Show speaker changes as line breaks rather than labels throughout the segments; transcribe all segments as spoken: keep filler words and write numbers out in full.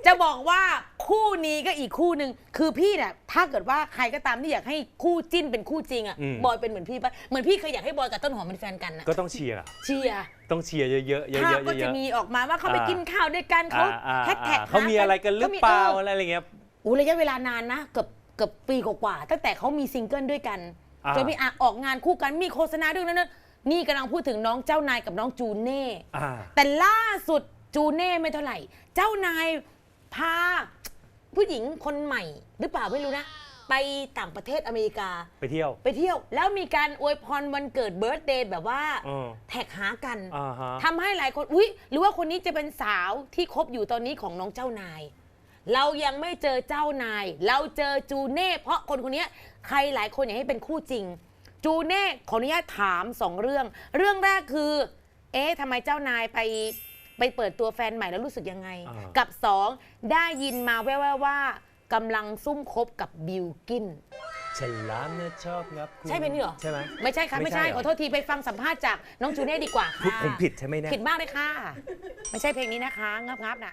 จะบอกว่าคู่นี้ก็อีกคู่หนึ่งคือพี่เนี่ยถ้าเกิดว่าใครก็ตามที่อยากให้คู่จิ้นเป็นคู่จริงอ่ะบอยเป็นเหมือนพี่ปะเหมือนพี่เคยอยากให้บอยกับต้นหอมเป็นแฟนกันนะ
ก็ต้องเชียร์
เชียร์
ต้องเชียร์เยอะๆเยอะๆเยอะๆ
ภาพก็จะมีออกมาว่าเขาไปกินข้าวด้วยกันเขาแฮชแท็ก
เขามีอะไรกันหรือเปล่าอะไรเงี้ย
อู้ระยะเวลานานนะเกือบเกือบปีกว่าๆตั้งแต่เขามีซิงเกิลด้วยกันจนมีออกงานคู่กันมีโฆษณาด้วยนั่นนี่กำลังพูดถึงน้องเจ้านายกับน้องจูเน่แต่ล่าสุดจูเน่ไม่เท่าไหร่เจ้านายพาผู้หญิงคนใหม่หรือเปล่าไม่รู้นะไปต่างประเทศอเมริกา
ไปเที่ยว
ไปเที่ยวแล้วมีการอวยพรวันเกิดเบิร์ธเดย์แบบว่าแท็กหากันทำให้หลายคนอุ๊ยหรือว่าคนนี้จะเป็นสาวที่คบอยู่ตอนนี้ของน้องเจ้านายเรายังไม่เจอเจ้านายเราเจอจูเน่เพราะคนคนนี้ใครหลายคนอยากให้เป็นคู่จริงจูเน่ขออนุญาตถามสองเรื่องเรื่องแรกคือเอ๊ะทำไมเจ้านายไปไปเปิดตัวแฟนใหม่แล้วรู้สึกยังไงกับสองได้ยินมาแว่วๆว่ากำลังซุ่มคบกับบิลกิน
ฉลามเนี่ยชอบงับ
ใช่เป็นนี่หรอ
ใช่ไหม
ไม่ใช่ค่ะไม่ใช่ขอโทษทีไปฟังสัมภาษณ์จากน้องจูเน่ดีกว่าค่ะ
ผมผิดใช่ไหมเนี่ย
ผิดมากเลยค่ะไม่ใช่เพลงนี้นะคะงับงับน่ะ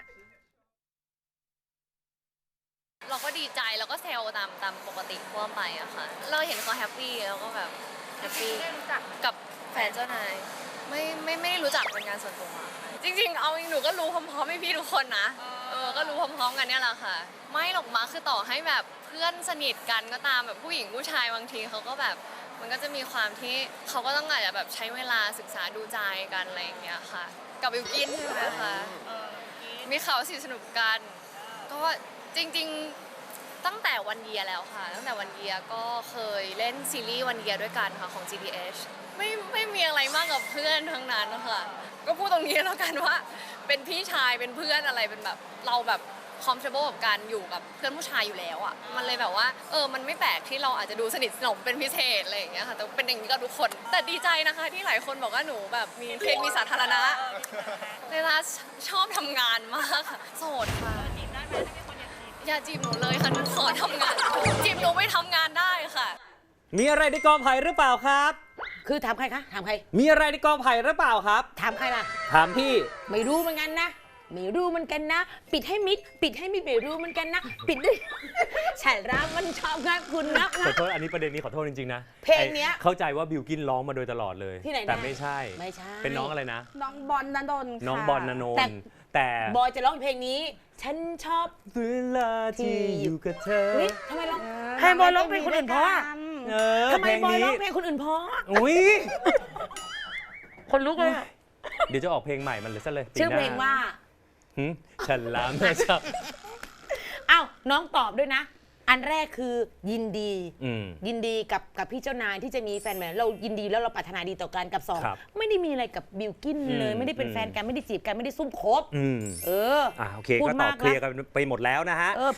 เราก็ดีใจแล้วก็เซลตามตามปกติทั่วไปอะค่ะเราเห็นเขาแฮปปี้แล้วก็แบบแฮปปี้ได้รู้จักกับแฟนเจ้านายไม่ไม่ไม่รู้จักเป็นงานส่วนตัวจริงๆเอาหนูก็รู้พร้อมๆให้พี่ทุกคนนะเออก็รู้พร้อมๆกันเนี่ยแหละค่ะไม่หรอกมาคือต่อให้แบบเพื่อนสนิทกันก็ตามแบบผู้หญิงผู้ชายบางทีเขาก็แบบมันก็จะมีความที่เขาก็ต้องอาจจะแบบใช้เวลาศึกษาดูใจกันอะไรอย่างเงี้ยค่ะกับบิวกินใช่ไหมคะมีข่าวสิสนุกกันก็จริงๆตั้งแต่วันเยียแล้วค่ะตั้งแต่วันเยียก็เคยเล่นซีรีส์วันเยียด้วยกันค่ะของ จี ดี เอช ไม่ไม่มีอะไรมากกับเพื่อนทั้งนั้นนะคะก็พูดตรงนี้แล้วกันว่าเป็นพี่ชายเป็นเพื่อนอะไรเป็นแบบเราแบบ comfortable กับการอยู่กับเพื่อนผู้ชายอยู่แล้วอ่ะมันเลยแบบว่าเออมันไม่แปลกที่เราอาจจะดูสนิทสนมเป็นพิเศษอะไรอย่างเงี้ยค่ะแต่เป็นอย่างนี้กับทุกคนแต่ดีใจนะคะที่หลายคนบอกว่าหนูแบบมีเพลงมีสาธารณะเวลาชอบทำงานมากค่ะโสดค่ะอย่าจีบหนูเลยค่ะหนูขอทำงานจีบหนูไม่ทำงานได้ค่ะ
มีอะไรในกอไผ่หรือเปล่าครับ
คือถามใครคะถามใคร
มีอะไรในกอไผ่หรือเปล่าครับ
ถามใครล่ะ
ถามพี่
ไม่รู้เหมือนกันนะไม่รู้เหมือนกันนะปิดให้มิดปิดให้มิดไม่รู้เหมือนกันนะปิดด้วยฉันรักมันชอบงานคุณนะ
ขอโทษอันนี้ประเด็นนี้ขอโทษจริงๆนะ
เพลงเนี้ย
เข้าใจว่าบิวกินร้องมาโดยตลอดเลย
ที่ไหน
แต่ไม่ใช่
ไม่ใช่
เป็นน้องอะไรนะ
น้องบอลณนนท์
น้องบอลณนนท์แต่
บอยจะร้องเพลงนี้ฉันชอบ
เวลาที่อยู่กับเธอ
ทำไมร้องให้บอยร้องเพลงคนอื่นเพราะทำไมบอยร้องเพลงคนอื่นเพราะ
อุ้ย
คนลุกเลย
เดี๋ยวจะออกเพลงใหม่มันเลยซะเลย
ชื่อเพลงว่า
ฉันลามนะชอบ
อ้าวน้องตอบด้วยนะอันแรกคือยินดียินดีกับกับพี่เจ้านายที่จะมีแฟนใหม่เรายินดีแล้วเราปรารถนาดีต่อกันกับสองไม่ได้มีอะไรกับบิลกินเลยไม่ได้เป็นแฟนกันไม่ได้จีบกันไม่ได้ซุ่มคบ
เอออ่าโอเคก็ตอบเคลียร์กันไปหมดแล้วนะฮะ